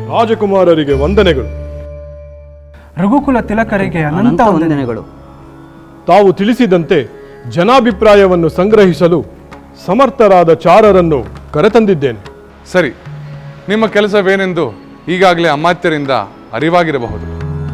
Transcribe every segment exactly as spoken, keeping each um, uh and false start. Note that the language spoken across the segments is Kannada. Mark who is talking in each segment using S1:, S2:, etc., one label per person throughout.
S1: ರಾಜಕುಮಾರರಿಗೆ ವಂದನೆಗಳು.
S2: ರಘುಕುಲ ತಿಲಕರಿಗೆ ಅನಂತ ವಂದನೆಗಳು.
S1: ತಾವು ತಿಳಿಸಿದಂತೆ ಜನಾಭಿಪ್ರಾಯವನ್ನು ಸಂಗ್ರಹಿಸಲು ಸಮರ್ಥರಾದ ಚಾರರನ್ನು ಕರೆತಂದಿದ್ದೇನೆ.
S3: ಸರಿ, ನಿಮ್ಮ ಕೆಲಸವೇನೆಂದು ಈಗಾಗಲೇ ಅಮಾತ್ಯರಿಂದ ಅರಿವಾಗಿರಬಹುದು.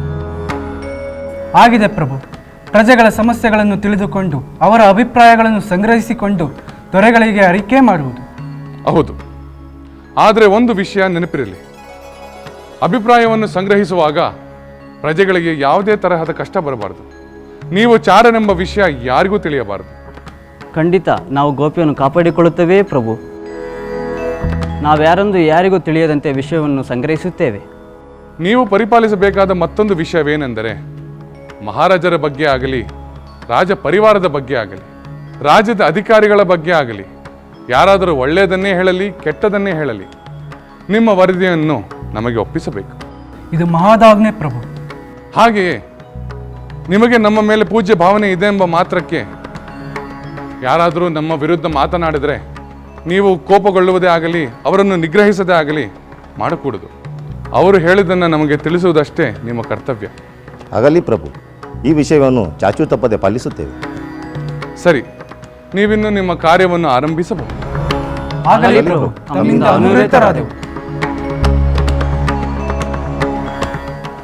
S2: ಆಗಿದೆ ಪ್ರಭು. ಪ್ರಜೆಗಳ ಸಮಸ್ಯೆಗಳನ್ನು ತಿಳಿದುಕೊಂಡು ಅವರ ಅಭಿಪ್ರಾಯಗಳನ್ನು ಸಂಗ್ರಹಿಸಿಕೊಂಡು ದೊರೆಗಳಿಗೆ ಅರಿಕೆ ಮಾಡುವುದು.
S3: ಹೌದು, ಆದರೆ ಒಂದು ವಿಷಯ ನೆನಪಿರಲಿ. ಅಭಿಪ್ರಾಯವನ್ನು ಸಂಗ್ರಹಿಸುವಾಗ ಪ್ರಜೆಗಳಿಗೆ ಯಾವುದೇ ತರಹದ ಕಷ್ಟ ಬರಬಾರದು. ನೀವು ಚಾರನೆಂಬ ವಿಷಯ ಯಾರಿಗೂ ತಿಳಿಯಬಾರದು.
S4: ಖಂಡಿತ ನಾವು ಗೋಪ್ಯವನ್ನು ಕಾಪಾಡಿಕೊಳ್ಳುತ್ತೇವೆ ಪ್ರಭು. ನಾವ್ಯಾರೊಂದು ಯಾರಿಗೂ ತಿಳಿಯದಂತೆ ವಿಷಯವನ್ನು ಸಂಗ್ರಹಿಸುತ್ತೇವೆ.
S3: ನೀವು ಪರಿಪಾಲಿಸಬೇಕಾದ ಮತ್ತೊಂದು ವಿಷಯವೇನೆಂದರೆ, ಮಹಾರಾಜರ ಬಗ್ಗೆ ಆಗಲಿ, ರಾಜ ಪರಿವಾರದ ಬಗ್ಗೆ ಆಗಲಿ, ರಾಜ್ಯದ ಅಧಿಕಾರಿಗಳ ಬಗ್ಗೆ ಆಗಲಿ, ಯಾರಾದರೂ ಒಳ್ಳೆಯದನ್ನೇ ಹೇಳಲಿ ಕೆಟ್ಟದನ್ನೇ ಹೇಳಲಿ, ನಿಮ್ಮ ವರದಿಯನ್ನು ನಮಗೆ ಒಪ್ಪಿಸಬೇಕು.
S2: ಇದು ಮಹಾದಾಜ್ಞೆ ಪ್ರಭು.
S3: ಹಾಗೆಯೇ ನಿಮಗೆ ನಮ್ಮ ಮೇಲೆ ಪೂಜ್ಯ ಭಾವನೆ ಇದೆ ಎಂಬ ಮಾತ್ರಕ್ಕೆ ಯಾರಾದರೂ ನಮ್ಮ ವಿರುದ್ಧ ಮಾತನಾಡಿದರೆ ನೀವು ಕೋಪಗೊಳ್ಳುವುದೇ ಆಗಲಿ, ಅವರನ್ನು ನಿಗ್ರಹಿಸದೇ ಆಗಲಿ ಮಾಡಕೂಡದು. ಅವರು ಹೇಳಿದ್ದನ್ನು ನಮಗೆ ತಿಳಿಸುವುದಷ್ಟೇ ನಿಮ್ಮ ಕರ್ತವ್ಯ.
S5: ಆಗಲಿ ಪ್ರಭು, ಈ ವಿಷಯವನ್ನು ಚಾಚೂ ತಪ್ಪದೆ ಪಾಲಿಸುತ್ತೇವೆ.
S3: ಸರಿ, ನೀವಿನ್ನು ನಿಮ್ಮ ಕಾರ್ಯವನ್ನು ಆರಂಭಿಸಬಹುದು.
S2: ಆಗಲಿ ಪ್ರಭು, ತಮ್ಮಿಂದ ಅನುರಕ್ತರಾದೆವು.